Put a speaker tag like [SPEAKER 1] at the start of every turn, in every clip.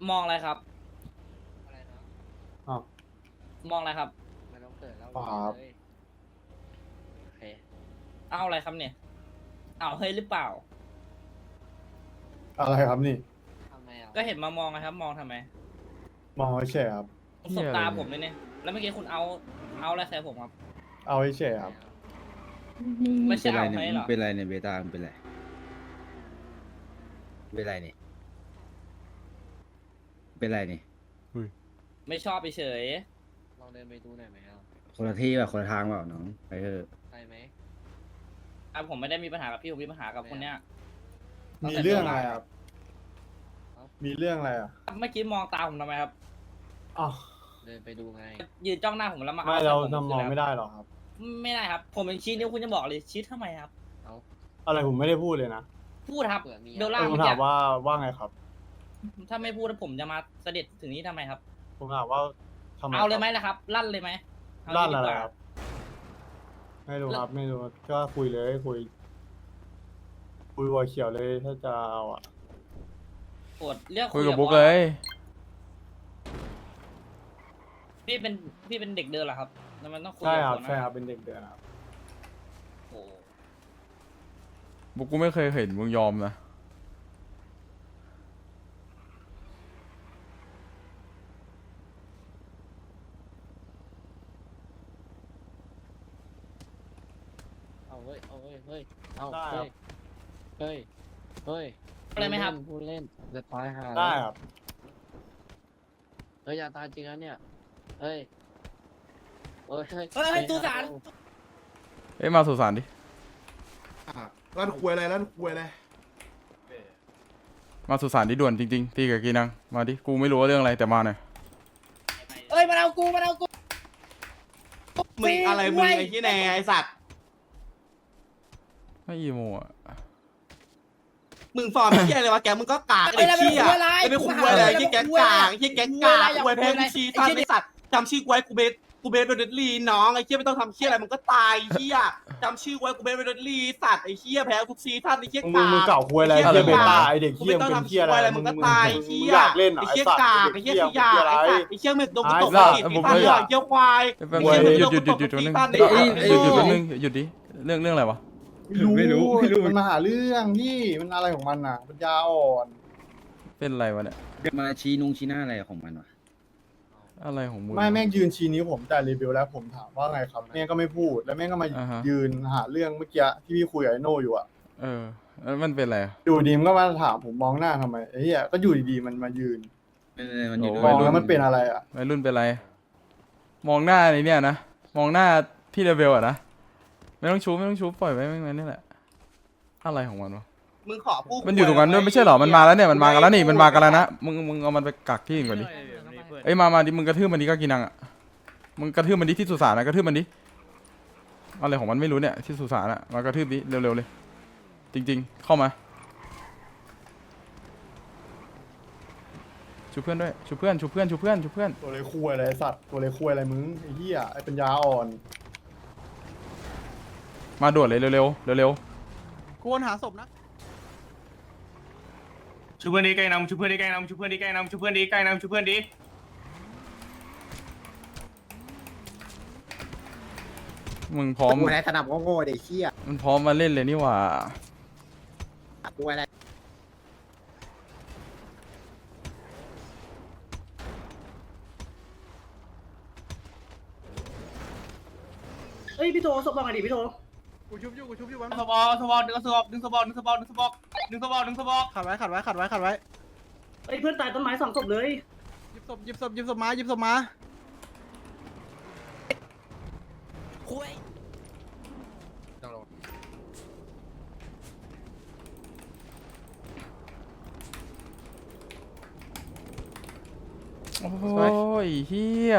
[SPEAKER 1] มองอะไรครับ
[SPEAKER 2] อะไรนะ
[SPEAKER 3] อ้าว
[SPEAKER 1] มองอะไรครับ
[SPEAKER 2] ไม่ต้องเกิดแล้ว
[SPEAKER 3] ครับ
[SPEAKER 2] เลยโอเค
[SPEAKER 1] เอาอะไรครับเนี่ย เอาเฮ้ยหรือเปล่า
[SPEAKER 3] อะไรครับนี่
[SPEAKER 2] ทำไมอ่ะ
[SPEAKER 1] ก็เห็นมามองนะครับ มองทำไม
[SPEAKER 3] มองเฉยครับ
[SPEAKER 1] สบตาผมเลยเนี่ย แล้วเมื่อกี้คุณเอาอะไรใส่ผมครับ
[SPEAKER 3] เอาเฉยครับ
[SPEAKER 1] ไม่ใช่
[SPEAKER 4] เป็นไร
[SPEAKER 1] เอา
[SPEAKER 4] เนี่ย
[SPEAKER 1] ให้หรอ
[SPEAKER 4] เป็นไรเนี่ยเบต้ามันเป็นไรเป็นไรเนี่ยเป็นไรเนี่ย
[SPEAKER 1] ไม่ชอบเฉย
[SPEAKER 2] ลองเดินไปดูหน่อยไหมอ่ะ
[SPEAKER 4] คนละที่แบบคนละทางเปล่าน้องไปเถอะ
[SPEAKER 2] ไปไหม
[SPEAKER 1] อ่ะผมไม่ได้มีปัญหากับพี่ผมมีปัญหากับคนเนี้ย
[SPEAKER 3] มีเรื่องอะไรครับ มีเรื่องอะไรอ่ะ
[SPEAKER 1] เมื่อกี้มองตาผมทำไมครับ
[SPEAKER 3] อ๋อ
[SPEAKER 2] เดินไปดูไง
[SPEAKER 1] ยืนจ้องหน้าผมแล้วมา
[SPEAKER 3] ไม่
[SPEAKER 1] ใส่
[SPEAKER 3] เรา
[SPEAKER 1] ผม
[SPEAKER 3] ทำมองไม่ได้หรอกครับ
[SPEAKER 1] ไม่ได้ครับ ผมเป็นชี้นิ้วคุณจะบอกเลยชี้ทำไมครับ
[SPEAKER 2] เอา
[SPEAKER 3] อะไรผมไม่ได้พูดเลยนะ
[SPEAKER 1] พูดครับ
[SPEAKER 2] เผื่อมี
[SPEAKER 1] เดล
[SPEAKER 3] เอ
[SPEAKER 1] ล่า
[SPEAKER 3] อผม
[SPEAKER 1] เมื่อ
[SPEAKER 3] ถา
[SPEAKER 1] กี้
[SPEAKER 3] มว่าไงครับ
[SPEAKER 1] ถ้าไม่พูดแล้วผมจะมาเสด็จถึงนี้ทำไมครับ
[SPEAKER 3] ผมถามว่าทำไม
[SPEAKER 1] เอาเลยไหม
[SPEAKER 3] ครับ
[SPEAKER 1] ล่ะครับ ลั่นเลยไหมเา
[SPEAKER 3] ด้าน
[SPEAKER 1] ดี
[SPEAKER 3] อะไร
[SPEAKER 1] กว่า
[SPEAKER 3] ครับ ไม่รู้ครับ ไม่รู้ ก็คุยเลยคุยวัวเขียวเลยถ้าจะเอาอ่ะ
[SPEAKER 1] ปวดเรียก
[SPEAKER 5] คุยกับบุ๊ก
[SPEAKER 1] อส
[SPEAKER 5] เลย
[SPEAKER 1] พี่เป็นเด็กเดินเหรอครับแล้วมันต้องคุย
[SPEAKER 3] ใช่
[SPEAKER 1] กั
[SPEAKER 3] ครับ
[SPEAKER 1] หัวหน้า
[SPEAKER 3] ใช่ครับ เป็นเด็กเดือนครับ
[SPEAKER 1] โอ้
[SPEAKER 5] บุ๊กกูไม่เคยเห็นมึงยอมนะ
[SPEAKER 2] เอาเฮ้ยเอาเฮ้ยเฮ้ยเอา
[SPEAKER 3] ได้ครั
[SPEAKER 2] เฮ้
[SPEAKER 3] บ
[SPEAKER 2] ยเฮ้ยเฮ้ย
[SPEAKER 1] อะไรไหมครับ
[SPEAKER 2] พูดเล่นจะตายหา
[SPEAKER 3] ได้ครับ
[SPEAKER 2] เฮ้ยอย่าตายจริงนะเนี่ยเฮ้ยเฮ้ย
[SPEAKER 1] เฮ้ยสุสาน
[SPEAKER 5] เอ้ยมาสุสานดิ
[SPEAKER 6] ร้านควยอะไรร้านควยอะไร
[SPEAKER 5] มาสุสานดิด่วนจริงๆตีกับกีนังมาดิกูไม่รู้ว่าเรื่องอะไรแต่มาหน่อย
[SPEAKER 1] เอ้ยมาเอากู
[SPEAKER 6] มึงอะไรมึงไอ้ที่ไหนไอ้สัตว์
[SPEAKER 5] ไม่อีโมอ่ะ
[SPEAKER 6] มึงฟอร์มเหี้ยอะไรวะแกมึงก็กากไอ้เหี้ยไอ้เป็นคุยอะไรไอ้ที่แกกากไอ้ที่แกกากควยแพ้กูชี้ท่านไอ้สัตว์จำชื่อกูไว้กูเบสเบดลีน้องไอ้เหี้ยไม่ต้องทำเหี้ยอะไรมึงก็ตายเหี้ยจำชื่อไว้กูเบสเบดลีสัตว์ไอ้เหี้ยแพ้ทุกซีท่านไอ้เหี้ย
[SPEAKER 3] มึง
[SPEAKER 6] กาก
[SPEAKER 3] มึงเก่าคุยอะไร
[SPEAKER 6] ไอ้
[SPEAKER 3] เฮี
[SPEAKER 6] เหี้
[SPEAKER 3] ย
[SPEAKER 6] ย
[SPEAKER 3] เบต้า
[SPEAKER 6] กาก
[SPEAKER 3] ไอเด็ก
[SPEAKER 6] กู
[SPEAKER 3] เฮีย
[SPEAKER 6] ไม่
[SPEAKER 3] มึ
[SPEAKER 6] ต้อง
[SPEAKER 3] งเป็น
[SPEAKER 6] ทำ
[SPEAKER 3] เฮี
[SPEAKER 6] เหี้
[SPEAKER 3] ย
[SPEAKER 6] ย
[SPEAKER 3] อะไร
[SPEAKER 6] อะไรมึงก็ตายเหี้ย
[SPEAKER 3] อยากเล่นเหรอ
[SPEAKER 6] ไอ้
[SPEAKER 3] ไอ้
[SPEAKER 6] เหี้ย
[SPEAKER 3] สัตว์
[SPEAKER 6] กาก
[SPEAKER 3] เด็
[SPEAKER 6] ไอ้
[SPEAKER 3] ก
[SPEAKER 6] เหี้
[SPEAKER 3] เฮี
[SPEAKER 6] ย
[SPEAKER 3] ย
[SPEAKER 6] ขยะ
[SPEAKER 3] มึง
[SPEAKER 6] ไอ้
[SPEAKER 3] อะไร
[SPEAKER 6] สัตว์ไอ้เหี้ยมึงโดนกูตก
[SPEAKER 5] อ่ะ
[SPEAKER 6] ผิด
[SPEAKER 5] ผม
[SPEAKER 6] ท่าน
[SPEAKER 5] ไม่
[SPEAKER 6] เหี้ยควาย
[SPEAKER 5] แป๊บ
[SPEAKER 3] เว้ย
[SPEAKER 5] นึงหยุดแป๊บนึง
[SPEAKER 6] หยุด
[SPEAKER 5] แป๊บนึงหยุดดิเรื่องอะไรวะ
[SPEAKER 3] ไม่รู้มันมาหาเรื่องพี่มันอะไรของมันน่ะปัญญาอ่อน
[SPEAKER 5] เป็นอะไรวะเนี่ย
[SPEAKER 4] มาชี้นุงชี้หน้าอะไรของมันวะ
[SPEAKER 5] อะไรของมึง
[SPEAKER 3] ไม่แม่งยืนชี้นิ้วผมแต่รีวิวแล้วผมถามว่าไงครับแม่งก็ไม่พูดแล้วแม่งก็มา
[SPEAKER 5] อ่าฮะ
[SPEAKER 3] ยืนหาเรื่องเมื่อกี้ที่พี่คุยกับไอโน่อยู่อ่ะ
[SPEAKER 5] เออแล้วมันเป็นอะไรอะ
[SPEAKER 3] อยู่ดีมันก็มาถามผมมองหน้าทำไมไอ้เหี้ยก็อยู่ดีๆมันมายืน
[SPEAKER 4] มันอยู่
[SPEAKER 3] มอง
[SPEAKER 4] ด้วย
[SPEAKER 3] แล้วมันเป็นอะไรอ่ะ
[SPEAKER 5] วัยรุ่นเป็นอะไร มองหน้าไอ้เนี่ยนะมองหน้าพี่เลเวลอะนะไม่ต้องชูปล่อยไว้แม่งนั่นนี่แหละอะไรของมันวะ
[SPEAKER 6] มึงขอพูด
[SPEAKER 5] มันอยู่ตรงนั้นด้วยไม่ใช่เหรอ มันมาแล้วเนี่ย มันมากันแล้วนี่ มันมากันแล้วนะ มึงเอามันไปกักที่อื่นก่อนดิ เอ้ยมาดิ มึงกระทืบมันดิก็กินังอ่ะ มึงกระทืบมันดิที่สุสานนะกระทืบมันดิ อะไรของมันไม่รู้เนี่ยที่สุสานอ่ะ มากระทืบดิเร็วๆเลย จริงๆ เข้ามา ชูเพื่อนด้วย ชูเพื่อน
[SPEAKER 3] ตัวเลยคุยอะไรไอ้สัตว์ตัวเลยคุยอะไรมึงไอ้เหี้ยไอ้ปัญญาอ่อน
[SPEAKER 5] มาด่วนเลยเร็ว
[SPEAKER 6] ควรหาศพนะชูเพื่อนดีใกล้นำชูเพื่อนดีใกล้นำชูเพื่อนดีใกล้นำชูเพื่อนดีใกล้นำชูเพื่อนดี
[SPEAKER 5] มึงพร้อม
[SPEAKER 7] กูอะไรสนับโง่ๆเด็กเชี่ย
[SPEAKER 5] มันพร้อมมาเล่นเลยนี่หว่า
[SPEAKER 7] กูอะไร
[SPEAKER 8] เฮ้ยพี่โทศพบอกไงดิพี่โท
[SPEAKER 6] กูชุบอยู่วันสบอดึงสบอขัดไว้
[SPEAKER 8] เฮ้ยเพื่อนตายต้นไม้2 ศพเลย
[SPEAKER 6] หยิบศพมา
[SPEAKER 5] โอ้ยเฮีย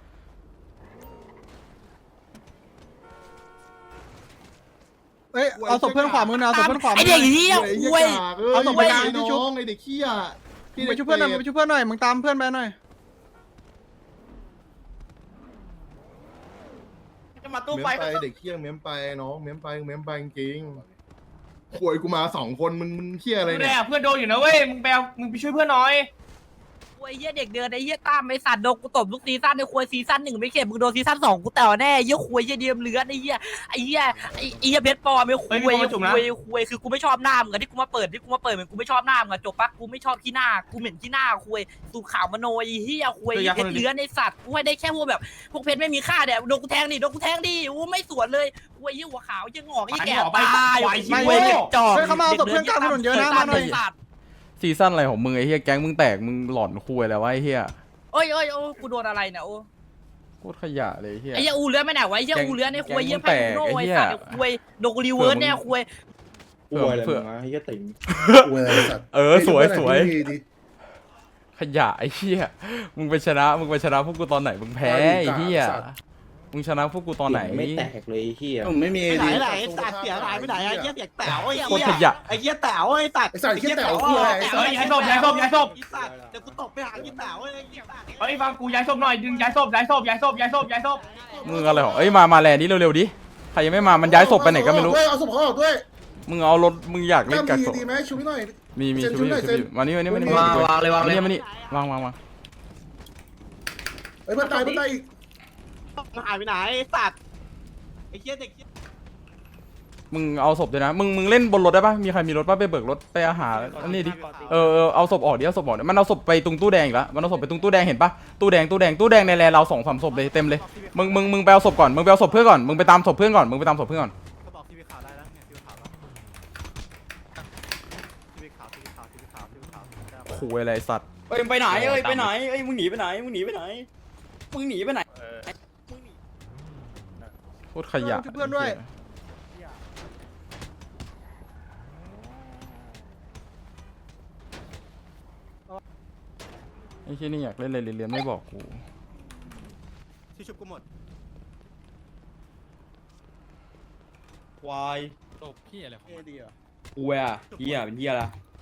[SPEAKER 6] เอ้ยเอาศพเพื่อนขวามือนะเอาศพเพื่อนขวามือ
[SPEAKER 1] ไอเด็กเหี้ยคุย
[SPEAKER 6] เอาศพไปกลางที่ชุบ
[SPEAKER 7] ไอเด็กเชี่ย
[SPEAKER 6] ไปช่วยเพื่อนหน่อยไปช่วยเพื่อนหน่อยมึงตามเพื่อนไปหน่อย
[SPEAKER 1] จะมาตู้
[SPEAKER 7] เม้ม
[SPEAKER 1] ไฟ
[SPEAKER 7] ไปเด็กเชี่ยเม้มไปน้องเม้มไปจริงขวยกูมา2 คนมึงเชี่ยอะไร
[SPEAKER 6] ดู
[SPEAKER 7] เนี่
[SPEAKER 6] แน่
[SPEAKER 7] ย
[SPEAKER 6] เพื่อนโดนอยู่นะเว้ยมึงไปช่วยเพื่อนหน่อย
[SPEAKER 1] คุ
[SPEAKER 9] ไอ้เหี้ยเด็กเดินไอ้เหี้ยตามไอ้สัตว์โดนกูตบทุกซีซั่นไอ้ควยซีซั่น1ไม่เข็ดมึงโดนซีซั่น2กูแต่แน่เหี้ยควยเหี้ยเดียมเลือดไอ้เหี้ยเพชรปลอมไอ้ควยคือกูไม่ชอบหน้ามึงที่กูมาเปิดเหมือนกูไม่ชอบหน้ามึงจบปะกูไม่ชอบขี้หน้ากูเหม็นขี้หน้าควยสูขาวมโนไอ้เหี้ยควยเพชรเลือดไอ้สัตว์กูให้ได้แค่พวกแบบพวกเพชรไม่มีค่าเนี่ยโดนกูแทงดิอู้ไม่สวนเลยควยเหี้ยหัวขาวเหี้ยงอกเหี้ยแก่ตายควยจอกเขามาเอาศพเพื่อนกลางถนนเยอะนะมาหน่อย
[SPEAKER 5] ซีซั่นอะไรของมึงไอ้เฮียแก๊งมึงแตกมึงหลอนคุยแล้ววะไอ้เฮีย
[SPEAKER 9] โอ้ยกูโดนอะไรเนี่ยโอ้
[SPEAKER 5] โคตรขยะเลยไอ้เฮีย
[SPEAKER 9] ไอ้เหี้ยอูเลือดไม่ไหนวะไอ้เหี้ยอูเลือดในควยเหี้ยไพ่โน่ไอ้สัตว์ควยโดนรีเวิร์สเนี่ยควย
[SPEAKER 5] เผื่อ
[SPEAKER 7] ไอ้เหี้ยติ๋ง
[SPEAKER 5] สวยขยะไอ้เฮียมึงไปชนะพวกกูตอนไหนมึงแพ้ไอ้เฮียมึงชนะพวกกูตอนไหน
[SPEAKER 2] ไม่แตกเลยเฮีย
[SPEAKER 4] ผมไม่มี
[SPEAKER 6] ไปไหนตัดเสียหายไปไหนไอ้เหี้ยเสียแต๋วไอ้
[SPEAKER 5] โคตร
[SPEAKER 6] เหี้
[SPEAKER 5] ข
[SPEAKER 6] ย
[SPEAKER 5] ยะ
[SPEAKER 6] ไอ้เหี้ยแต๋วไอ้ตัด
[SPEAKER 7] ไอ้สัตว์เหี้ยแต๋วคืออะไรไอ้สัตว์
[SPEAKER 6] ย้ายศพเดี๋ยวกูตบไปหาพี่แต๋วไอ้เหี้ย
[SPEAKER 1] เฮ้ยฟังกูย้ายศพหน่อยดึงย้ายศพ
[SPEAKER 5] มึงอะไรของมาแลนนี้เร็วๆดิใครยังไม่มามันย้ายศพไปไหนก็ไม่รู้
[SPEAKER 7] เอาศพเขาออกด้วย
[SPEAKER 5] มึงเอารถมึงอยากเล่นกักศพ
[SPEAKER 7] ดีไหมชูพี่หน่อย
[SPEAKER 5] มี
[SPEAKER 7] เซ็น
[SPEAKER 5] ช่วย
[SPEAKER 7] หน่อย
[SPEAKER 5] ช่วย
[SPEAKER 7] เซ็น
[SPEAKER 5] มานี่
[SPEAKER 2] วางเลยวางเลย
[SPEAKER 5] มานี่วาง
[SPEAKER 7] เฮ้ยเพื่อนตายอีก
[SPEAKER 6] มันหายไปไหนไอ้สัตว์ไอ้เหี้ยเด็กเหี้ย
[SPEAKER 5] มึงเอาศพด้วยนะมึงเล่นบนรถได้ปะมีใครมีรถปะไปเบิกรถไปอาหารอันนี้ดิเอาศพออกดิเอาศพออกมันเอาศพไปตรงตู้แดงอีกแล้วมันเอาศพไปตรงตู้แดงเห็นปะตู้แดงในแลเรา2-3ศพเลยเต็มเลยมึงไปเอาศพก่อนมึงไปเอาศพเพื่อนก่อนมึงไปตามศพเพื่อนก่อนขู่อะไรสัตว์
[SPEAKER 2] เอ้ยไปไหนไปไหนมึงหนีไปไหน
[SPEAKER 5] โคตรขยะเพื่อนด้วยไอ้ที่นี่อยากเล่นอะไรเรียนไม่บอกกู
[SPEAKER 6] ที่ชุบกูหมด
[SPEAKER 2] ควาย
[SPEAKER 1] ตบพี่อะไรของ
[SPEAKER 2] กูอ่ะเฮียเป็นเฮียละ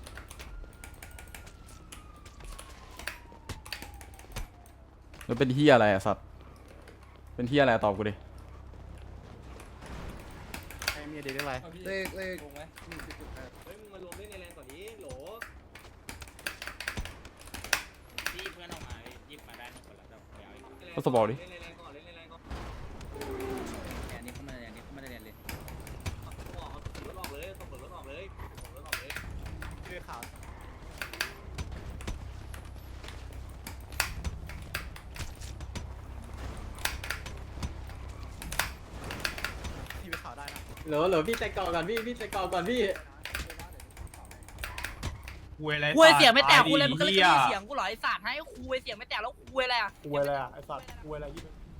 [SPEAKER 5] แล้วเป็นที่อะไรอะสัตว์เป็นที่อะไรตอบกูดิ
[SPEAKER 6] มีเด็กอะไร
[SPEAKER 7] เลข
[SPEAKER 6] เฮ้ยมึงมารวมเล่นในแรงก่อนนี้โหล
[SPEAKER 1] พี่เพื่อนออกมาหยิบมาได้หนึ่งคนแล้วจะไปเอาอีก
[SPEAKER 5] เอาศพออกดิ
[SPEAKER 6] เล่นในแรงก่อน
[SPEAKER 4] อันนี้เข้ามาเรียนเลย
[SPEAKER 6] ออกเลยส่งรถออกเลยช่วยข่าวพี่ไปข่าวได้นะ
[SPEAKER 2] เหรอพี่แต่ก่อนก่อนพี่แต่ก่อนก่อนพี่
[SPEAKER 9] ควยเสียงไม่แตกกูเลยมันก็เลยมีเสียงกูหรอไอ้สัตว์ให้ควยเสียงไม่แตกแล้วควยอะไรอ่ะ
[SPEAKER 3] คุยอะไรอ่ะไอ้สัตว์คุยอะไรยี่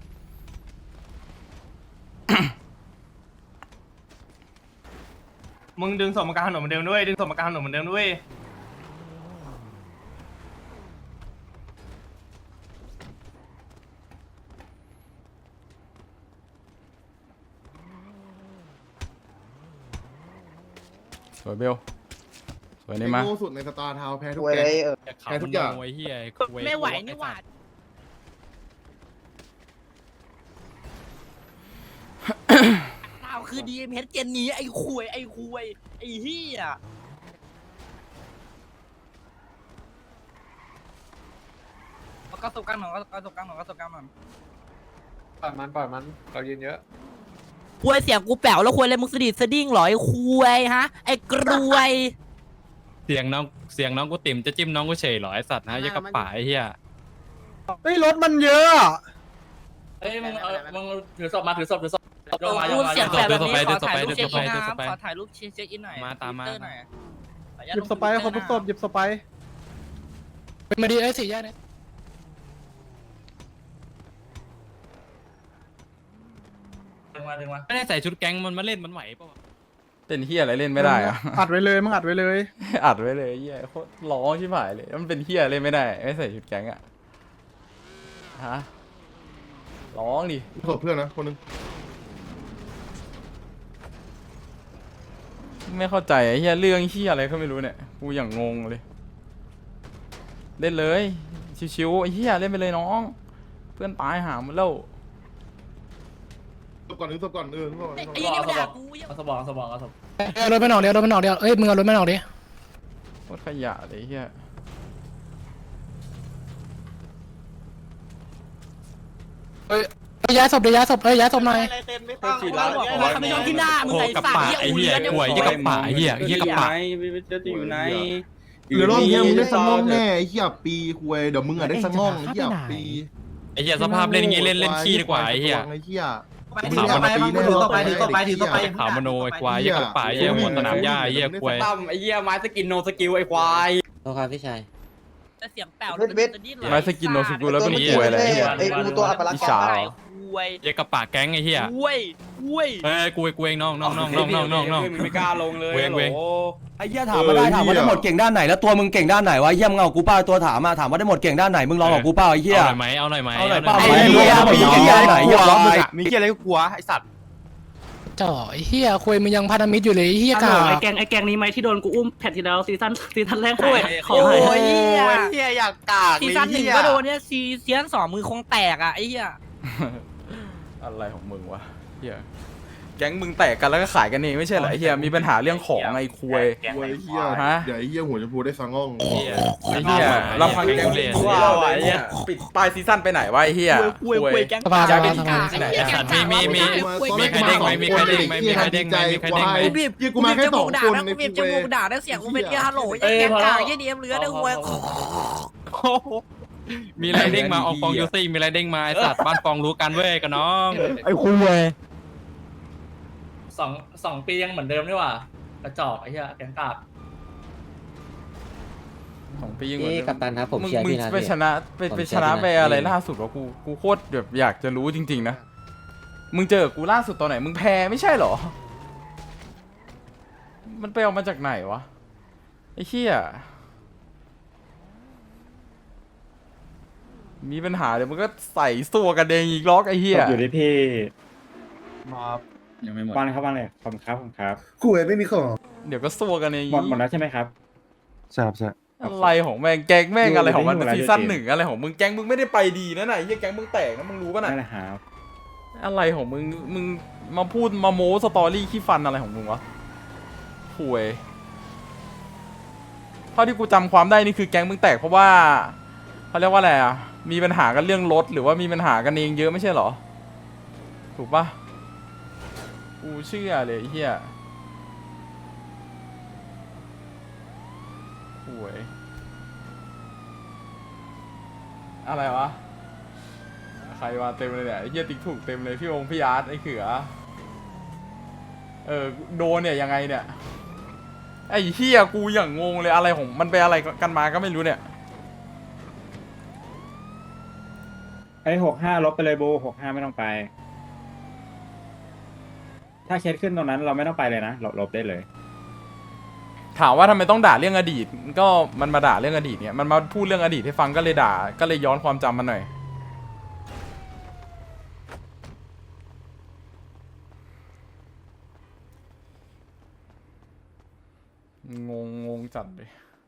[SPEAKER 1] มึงดึงศพมากลางถนนเหมือนเดิมด้วยดึงศพมากลางถนนเหมือนเดิมด้วย
[SPEAKER 5] สวยเบลสวยนี่มา
[SPEAKER 7] โง่สุดในสตาร์ทาวแพ้ทุกแกแพ้ทุกอย่าง
[SPEAKER 9] ไม่ไหวนี่หว่าเราคือดีเอ็มเฮดเจนนี้ไอ้ควยไอ้เหี้ยเอากระสบกลางหน่อยกระสบกลางหน่อย
[SPEAKER 2] ปล่อยมันเรายืนเยอะ
[SPEAKER 9] ควยเสียงกูแป๋วแล้วควยอะไรมึงสะดิ้งเหรอไอ้ควยฮะไอ้กรวย
[SPEAKER 1] เสียงน้องกูติ่มจะจิ้มน้องกูเฉยเหรอไอสัตว์นะยักกระป๋าไอ้เหี้ย
[SPEAKER 3] เฮ้ยรถมันเยอะ
[SPEAKER 1] เอ้ยมึงถือศพมาถือศพ
[SPEAKER 9] รูปเสียงแบบนี้ขอถ่ายรูปเช็คอินนะครับขอถ่ายรูปเช็คอินหน่อย
[SPEAKER 1] มาตามมา
[SPEAKER 3] หยิบสไปร์เขาทุกศพหยิบสไปร์
[SPEAKER 1] มาดีไอ้สี่แยกเนี่ยดึงมาไม่ได้ใส่ชุดแก๊งมันมาเล่นมันไหวปะวะ
[SPEAKER 5] เต้นเฮียอะไรเล่นไม่ได้อะ
[SPEAKER 3] อัดไว้เลยมึงอัดไว้เลย
[SPEAKER 5] อัดไว้เลยเฮียโคตรร้องชิบหายเลยมันเป็นเฮียเล่นไม่ได้ไม่ใส่ชุดแก๊งอะฮะร้องดิ
[SPEAKER 7] ศพเพื่อนนะคนนึง
[SPEAKER 5] ไม่เข้าใจไอ้เฮียเรื่องเฮียอะไรก็ไม่รู้เนี่ยกูอย่างงงเลยเล่นเลยชิวๆไอ้เฮียเล่นไปเลยน้องเพื่อนตายหามันแล้ว
[SPEAKER 7] ศพก่อนศพก่อนศพก่อน
[SPEAKER 9] ไอ้ยี่นี่มันด่ากู
[SPEAKER 1] เอาสบอง
[SPEAKER 10] รถไม่ออกเดี๋ยวเอ้ยมึงเอารถไม่ออกดิ
[SPEAKER 5] โคตรขยะเลยไอ้เฮีย
[SPEAKER 10] เอ้ยย้ายศพเดี๋ยวย้ายศพเอ้ยย้ายศพหน่อย
[SPEAKER 6] อะไรเต็มไม่ต้อง
[SPEAKER 9] เขาไม่ชอบที่หน้ามึง
[SPEAKER 1] โค
[SPEAKER 9] ไอ้
[SPEAKER 1] กับ
[SPEAKER 9] สัต
[SPEAKER 1] ป่า
[SPEAKER 9] ว์
[SPEAKER 1] ไอ้เหี้ยกล้วยยี่กับป่าไอ้เหี้ยยี่กับป่า
[SPEAKER 4] จะอยู่ไหน
[SPEAKER 7] หรือรอบเนี้ยมึงได้สังง่องแน่ไอ้เหี้ยปีคุยเดี๋ยวมึงอะได้สังง่องไอ้เหี้ยปี
[SPEAKER 1] ไอ้เหี้ยสภาพเล่นอย่างงี้เล่นขี้ดีกว่าไอ้เหี้ย
[SPEAKER 7] ไอ้เหี้ย
[SPEAKER 6] ถือต่อไปถือต่อไปถือต่อไปถือต่อไป
[SPEAKER 1] ขาวมโนไอ้ควายยี่กับป่าไอ้เหี้ยหมดสนามหญ้าไอ้เหี้ยควาย
[SPEAKER 4] ตั้มไอ้เหี้ยไม้สกินโนสกิลไอ้ควาย
[SPEAKER 2] โทษครับพี่ชาย
[SPEAKER 9] เสียงแป๋ว
[SPEAKER 5] ไม้สกินโนสกุลแล้วเป็นป่วยอะไรเหี้ย
[SPEAKER 2] ไอ้กูตัวอัปลักษณ์
[SPEAKER 5] อิจฉาเหรอ
[SPEAKER 9] คุย
[SPEAKER 1] ยี่กับป่าแก๊งไอ้เหี้ย
[SPEAKER 9] คุยคุย
[SPEAKER 1] เฮ้ยกูเองน้อง
[SPEAKER 4] ไม่กล้าลงเลย
[SPEAKER 1] เวง
[SPEAKER 10] ไอ้เหี้ยถามมาได้ถามว่าได้หมดเก่งด้านไหนแล้วตัวมึงเก่งด้านไหนวะเหี้ยมึงเอากูเปล่าตัวถามมาถามว่าได้หมดเก่งด้านไหนมึงลองกับกูเปล่าไอ้เหี้ย
[SPEAKER 1] เอาหน่อยไหม
[SPEAKER 10] เอาหน่อยเปล่า
[SPEAKER 1] ไหม
[SPEAKER 10] ไอ้เหี้ยมีเหี้ยไหนเหี้ยร้องมึงอะ
[SPEAKER 6] มีเหี้ยอะไรก็กลัวไอ้สัตว์
[SPEAKER 10] จ่อไอ้เหี้ยคุยมึงยังพันธมิตรอยู่เลยไอ้เหี้ยกา
[SPEAKER 8] ไอ้แกงนี้ไหมที่โดนกูอุ้มแพทที่แล้วซีซั่นแรกขายขอ
[SPEAKER 9] โอ้
[SPEAKER 8] ให้
[SPEAKER 9] ย
[SPEAKER 6] เหี้ยอยากกาก
[SPEAKER 9] ซีซั่นหนึ่งก็โดนเนี่ยซีซั่นสองมือคงแตกอ่ะไอ้เหี้ย
[SPEAKER 5] อะไรของมึงวะเหี้ยแก๊งมึงแตกกันแล้วก็ขายกันเองไม่ใช่เหรอไอ้เหี้ยมีปัญหาเรื่องของไอ้คุย
[SPEAKER 7] คุยไอ้เหี้ย
[SPEAKER 5] ฮะ
[SPEAKER 7] เดี๋ยวไอ้เหี้ยหัวชมพูได้สังง่อง
[SPEAKER 1] ไอ้เหี้ย
[SPEAKER 5] ไอ้เหี้ยลำพังแก๊ง
[SPEAKER 1] เล่น
[SPEAKER 5] ว้าวไอ้เหี้ยปิดปลายซีซั่นไปไหนวะไอ้เหี้ย
[SPEAKER 9] คุยแก๊ง
[SPEAKER 10] สภา
[SPEAKER 5] จะ
[SPEAKER 10] ส
[SPEAKER 5] เป็
[SPEAKER 10] ภาน ส
[SPEAKER 5] กา
[SPEAKER 10] ภา
[SPEAKER 5] ที่ไหน
[SPEAKER 1] ไอ้สัตว์มีใครเด้งไหมมีใครเด้งไหมมีใครเด้งไหมมีใครเด้งไหม
[SPEAKER 9] บีบ
[SPEAKER 7] เหี้ยกูมาแค่สองคน
[SPEAKER 9] ใน
[SPEAKER 7] ใน
[SPEAKER 9] บีบจ
[SPEAKER 7] คุย
[SPEAKER 9] มูกด่าได้เสียงกูเป็นเหี้ยฮัลโหลยังแก๊งกากยี่เดียมเหลือได้หวย
[SPEAKER 1] มีไรเด้งมาออกฟองยูซี่มีไรเด้งมาไอ้สัตว์บ้านฟองรู้กันเว้ยกับน้อง
[SPEAKER 10] ไอ้คุย
[SPEAKER 2] สองปียังเหมือนเดิมนี่หว่ากระจอกไอ้เหี้ยแกงกาบ
[SPEAKER 5] ของปียิงเหมือนเดิม
[SPEAKER 2] กัปตันครับผม
[SPEAKER 5] มึง
[SPEAKER 2] เชียร์พี่นะ
[SPEAKER 5] ไปชนะไป
[SPEAKER 2] ผม
[SPEAKER 5] ไป
[SPEAKER 2] เชี
[SPEAKER 5] ช
[SPEAKER 2] ยร์
[SPEAKER 5] นะ
[SPEAKER 2] พี่นะ
[SPEAKER 5] ไปอะไรล่าสุดวะกูโคตรแบบอยากจะรู้จริงๆนะมึงเจอกูล่าสุดตอนไหนมึงแพ้ไม่ใช่เหรอ มันไปเอามาจากไหนวะไอ้เหี้ยมีปัญหาเดี๋ยวมึงก็ใส่ตัวกันเองอีกล็อกไอ้เหี้ย
[SPEAKER 11] อยู่ที่พี่
[SPEAKER 4] ยังไม่หมด
[SPEAKER 11] วางเลยครับวางเลยขอบคุณครับขอบคุณครับ
[SPEAKER 7] คุยไม่มีของ
[SPEAKER 5] เดี๋ยวก็ซัวกันเอง
[SPEAKER 11] หมดแล้วใช่ไหมครับใช่ครับใช่
[SPEAKER 5] อะไรของแม่งแก๊งแม่งอะไรของมัน
[SPEAKER 11] อยู่ใน
[SPEAKER 5] ซีซั่น
[SPEAKER 11] อยู่ใน
[SPEAKER 5] หนึ่งอะไรของมึงแก๊งมึงไม่ได้ไปดีนะไหนะไอ้เหี้ยแก๊งมึงแตกนะมึงรู้ป่ะน่ะ
[SPEAKER 11] นั่นแหละครับ
[SPEAKER 5] อะไรของมึงมาพูดมาโม้สตอรี่ขี้ฟันอะไรของมึงวะห่วยเท่าที่กูจำความได้นี่คือแก๊งมึงแตกเพราะว่าเขาเรียกว่าอะไรอ่ะมีปัญหากันเรื่องรถหรือว่ามีปัญหากันเองเยอะไม่ใช่เหรอถูกปะกูเชื่อเลยไอ้เฮียห่วยอะไรวะใครมาเต็มเลยเนี่ยไอ้เฮียติ๊กถูกเต็มเลยพี่องค์พี่อาร์ตไอ้เขือโดนเนี่ยยังไงเนี่ยไอ้เฮียกูอย่างงงเลยอะไรของมันไปอะไรกันมาก็ไม่รู้เนี่ย
[SPEAKER 11] ไอ้65ลบไปเลยบู65ไม่ต้องไป ถ้าเคสขึ้นตรงนั้นเราไม่ต้องไปเลยนะลบได้เลย
[SPEAKER 5] ถามว่าทำไมต้องด่าเรื่องอดีตก็มันมาด่าเรื่องอดีตเนี่ยมันมาพูดเรื่องอดีตให้ฟังก็เลยด่าก็เลยย้อนความจำมันหน่อยงงจัดเลย